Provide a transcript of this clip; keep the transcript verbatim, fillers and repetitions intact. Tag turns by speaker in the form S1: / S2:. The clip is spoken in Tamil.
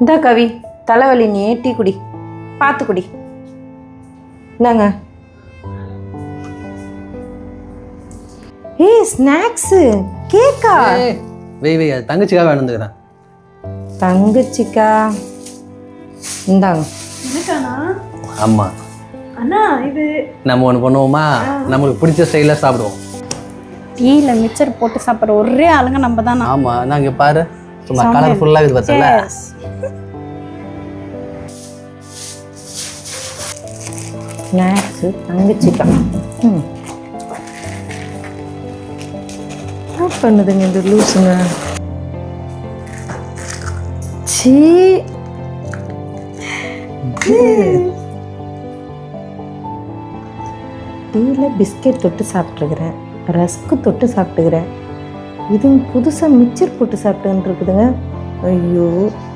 S1: இந்தா கவி, தலைவலி, நீ டீ குடி, பார்த்து குடி. இந்தாங்க. ஏய் ஸ்நாக்ஸு, கேக்கா?
S2: வெய் வெய் அது தங்கச்சிக்காக வேணுந்துக்கிறேன்.
S1: தங்கச்சிக்கா? இந்தாங்க.
S3: எனக்காண்ணா?
S2: ஆமா
S3: அண்ணா இது
S2: நம்ம ஒன்று பண்ணுவோமா, நம்மளுக்கு பிடிச்ச ஸ்டைலில் சாப்பிடுவோம்.
S3: டீயில் மிக்சர் போட்டு சாப்பிட்ற ஒரே ஆளுங்க நம்ம தானே.
S2: ஆமா நாங்க பாரு சும்மா கலர்ஃபுல்லாக இது பார்த்தல.
S1: ஸ்நாக்ஸு, தங்கச்சிக்கா. ம் என்ன பண்ணுதுங்க இந்த லூஸுங்க? சீ, டீயில் பிஸ்கெட் தொட்டு சாப்பிட்ருக்குறேன், ரஸ்க்கு தொட்டு சாப்பிட்டுக்கிறேன், இது புதுசாக மிக்சர் போட்டு சாப்பிட்டுன்னு இருக்குதுங்க. ஐயோ.